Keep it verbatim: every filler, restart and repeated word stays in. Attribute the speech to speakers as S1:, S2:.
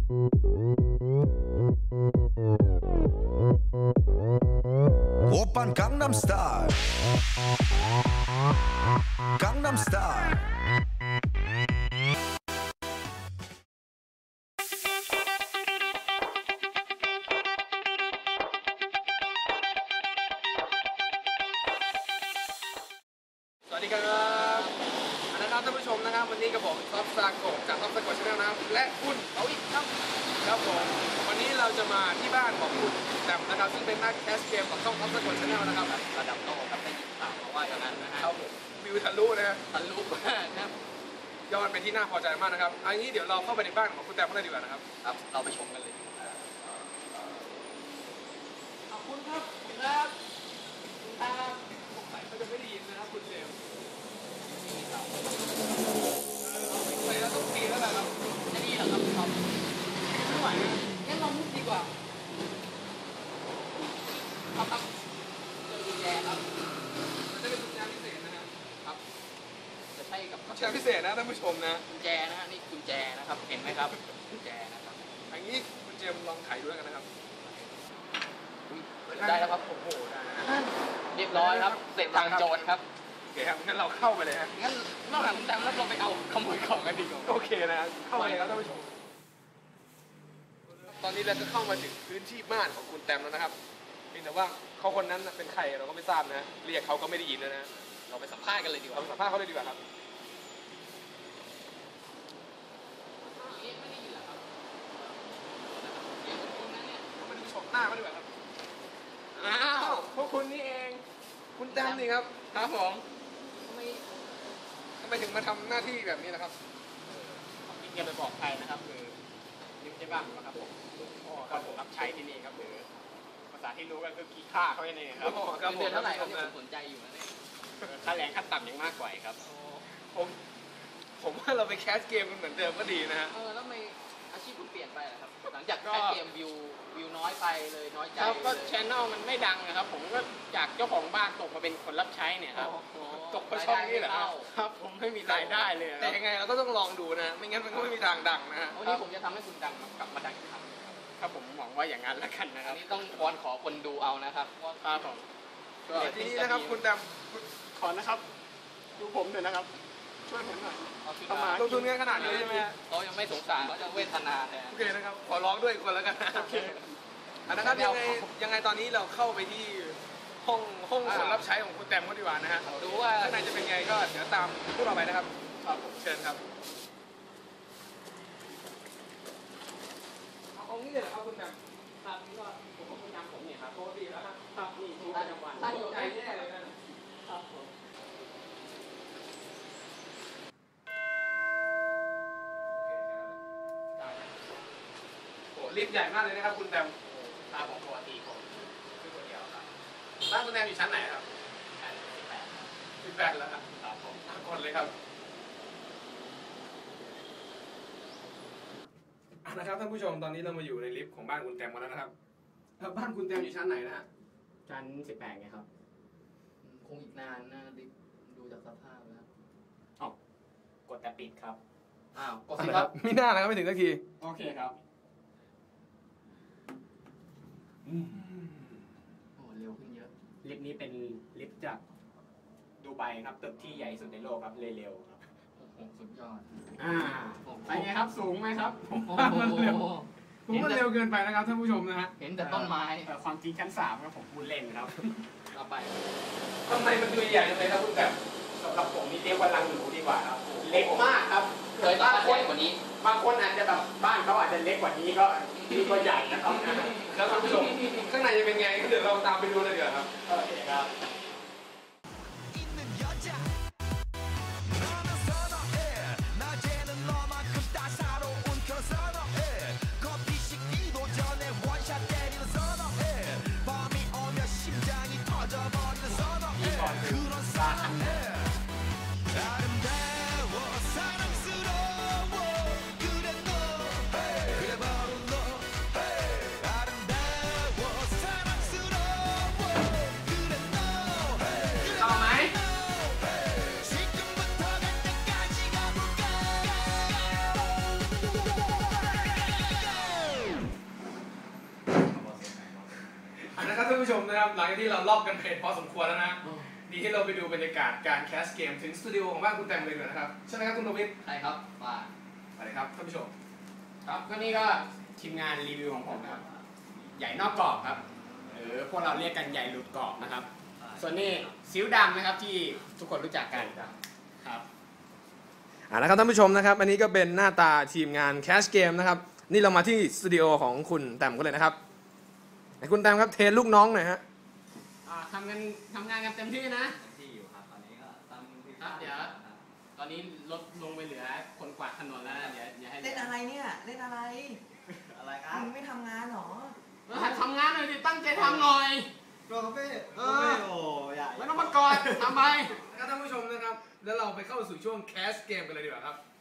S1: 오빤 강남스타일 강남스타일
S2: สวัสดีครับนะครับท่านผู้ชมนะครับวันนี้กับผมท็อปซาโกะจากท็อปซาโกะชาแนลนะครับและคุณเอาอีกครับครับผมวันนี้เราจะมาที่บ้านของคุณแต้มนะครับซึ่งเป็นนักแคสเกมของช่องท็อปซาโกะชาแนลนะครับระดับโลกครับได้ยินข่าวมาว่าอย่างนั้นนะฮะครับผมวิวทะลุนะฮะทะลุมากนะครับยอดเป็นที่น่าพอใจมากนะครับอันนี้เดี๋ยวเราเข้าไปในบ้านของคุณแต้มกันเลยดีกว่านะครับครับเราไปชมกันเลยขอบคุณครับครับครับผมใส่เขาจะไม่ได้ยินนะครับคุณเจมส์ใส่แล้วต้องตีแล้วแหละครับจะดีเหรอครับครับไม่ไหวนะงั้นลองมุกดีกว่าครับครับเจอกุญแจครับมันจะเป็นกุญแจพิเศษนะครับครับจะใช่กับกุญแจพิเศษนะท่านผู้ชมนะกุญแจนะฮะนี่กุญแจนะครับเห็นไหมครับกุญแจนะครับอันนี้คุณเจมลองไขดูแล้วกันนะครับได้แล้วครับโอ้โหได้เรียบร้อยครับเสร็จทางโจรครับโอเคครับงั้นเราเข้าไปเลยฮะงั้นนอกจากคุณแต้มแล้วเราไปเอาขโมยของกันดีกว่าโอเคนะเข้าไปครับท่านผู้ชมตอนนี้เราก็เข้ามาถึงพื้นที่บ้านของคุณแต้มแล้วนะครับเพียงแต่ว่าเขาคนนั้นเป็นใครเราก็ไม่ทราบนะเรียกเขาก็ไม่ได้ยินนะเราไปสัมภาษณ์กันเลยดีกว่าเราสัมภาษณ์เขาเลยดีกว่าครับเรียกไม่ได้ยินเหรอครับเรียกคนนั้นเนี่ยมาดูชมหน้าเขาดีกว่าครับอ้าวพวกคุณนี่เองคุณแต้มนี่ครับครับผมทำไมทำไมถึงมาทำหน้าที่แบบนี้นะครับพี่แกไปบอกใครนะครับคือนิ้วใช่บ้างนะครับผมคนผมรับใช้ที่นี่ครับหรือภาษาที่รู้กันคือขี้ข้าเขาเองครับเดือนเท่าไหร่ครับผมสนใจอยู่นะเนี่ยค่าแรงขั้นต่ำยังมากกว่าครับผมผมว่าเราไปแคสเกมเหมือนเดิมก็ดีนะฮะเออแล้วทำไมอาชีพคุณเปลี่ยนไปล่ะครับหลังจากแคสเกมวิววิวน้อยไปเลยน้อยใจครับก็ช่องมันไม่ดังนะครับผมก็จากเจ้าของบ้านตกมาเป็นคนรับใช้เนี่ยครับตกเพราะช่องนี้แหละครับผมไม่มีรายได้เลยแต่ยังไงเราก็ต้องลองดูนะไม่งั้นมันก็ไม่มีทางดังนะฮะวันนี้ผมจะทำให้คุณดังกลับมาดังอีกครั้งครับผมหวังว่าอย่างนั้นแล้วกันนะครับนี่ต้องวอนขอคนดูเอานะครับครับผมทีนี้นะครับคุณดำขอนะครับดูผมหน่อยนะครับช่วยผมหน่อยเข้ามาลงทุนเงินขนาดนี้ใช่ไหมเขายังไม่สงสารเขาจะเวทนาแทนโอเคนะครับขอร้องด้วยคนแล้วกันโอเคนะครับยังไงยังไงตอนนี้เราเข้าไปที่ห้องห้องคนรับใช้ของคุณแต้มเขาดีกว่านะฮะดูว่าข้างในจะเป็นไงก็เดี๋ยวตามพวกเราไปนะครับครับเชิญครับเอางี้เลยครับคุณแต้มตามนี้ก็ผมก็คุณจำผมเนี่ยครับโทษดีแล้วครับครับนี่ทุกประจำวันตั้งใจแน่เลยนะครับผมลิฟต์ใหญ่มากเลยนะครับคุณแต้มตาของปกติผมคือคนเดียวครับบ้านคุณแต้มอยู่ชั้นไหนครับชั้นสิบแปดสิบแปดแล้วครับครับผมทั้งคนเลยครับนะครับท่านผู้ชมตอนนี้เรามาอยู่ในลิฟต์ของบ้านคุณแต้มกันแล้วนะครับแล้วบ้านคุณแต้มอยู่ชั้นไหนนะฮะชั้นสิบแปดไงครับคงอีกนานนะลิฟต์ดูจากสภาพแล้วอ๋อกดแต่ปิดครับอ้าวกดสิครับไม่น่านะครับไม่ถึงสักทีโอเคครับโอ้เร็วขึ้นเยอะลิฟต์นี้เป็นลิฟต์จากดูไบครับตึกที่ใหญ่สุดในโลกครับเร็วๆครับโอ้โหสุดยอดอ่าไปไงครับสูงไหมครับผมว่ามันเร็วผมว่าเร็วเกินไปนะครับท่านผู้ชมนะฮะเห็นแต่ต้นไม้ความจริงชั้นสามครับผมพูดเล่นครับเราไปทำไมมันดูใหญ่จังเลยครับคุณแต้มสำหรับผมนี่เรียกว่าลังหนูดีกว่าครับเล็กมากครับเคยบ้านคนกว่านี้บางคนอาจจะแบบบ้านเขาอาจจะเล็กกว่านี้ก็นี่ก็ใหญ่นะครับแล้วท่านผู้ชมข้างในจะเป็นไงเดี๋ยวเราตามไปดูเลยเดี๋ยวครับโอเคครับผู้ชมนะครับหลังจากที่เราลอกกันเพจพอสมควรแล้วนะดีที่เราไปดูบรรยากาศการแคสเกมถึงสตูดิโอของบ้านคุณแตมเลยนะครับใช่ไหมครับคุณโนวิท
S3: ใช่ครับว่า
S2: ไปเลยครับท่านผู้ชม
S3: ครับก็นี่ก็ทีมงานรีวิวของผมนะครับใหญ่นอกกรอบครับหรือพวกเราเรียกกันใหญ่หลุดกรอบนะครับส่วนนี้ซิ้วดำนะครับที่ทุกคนรู้จักกันครับ
S2: อ่านะครับท่านผู้ชมนะครับอันนี้ก็เป็นหน้าตาทีมงานแคสเกมนะครับนี่เรามาที่สตูดิโอของคุณแตมกันเลยนะครับคุณแตมครับเทรนลูกน้องหน่อยฮะ
S3: อ่าทำกันทำงานกันเต็มที่นะ
S4: ที่อยู่ครับตอนนี้ก็ตั้งที่
S3: ครับเดี๋ยวตอนนี้ลดลงไปเหลือคนกวาดถนนแล้วนะเดี๋ยวเดี๋ยวให้
S5: เล่นอะไรเนี่ย เล่นอะไร
S4: อะไรครับ
S5: มึงไม่ทำงานหรอ
S3: เออทำงานหน่อยดิตั้งใจทำหน่อย
S4: ตัวคาเฟ่
S3: เอ
S4: คา
S3: อ
S4: เฟ่โอ้ใหญ่
S3: ไม่ต้องมากอดทำไป
S2: นะครับท่านผู้ชมนะครับแล้วเราไปเข้าสู่ช่วงแคสเกมกันเลยดีกว่าครับ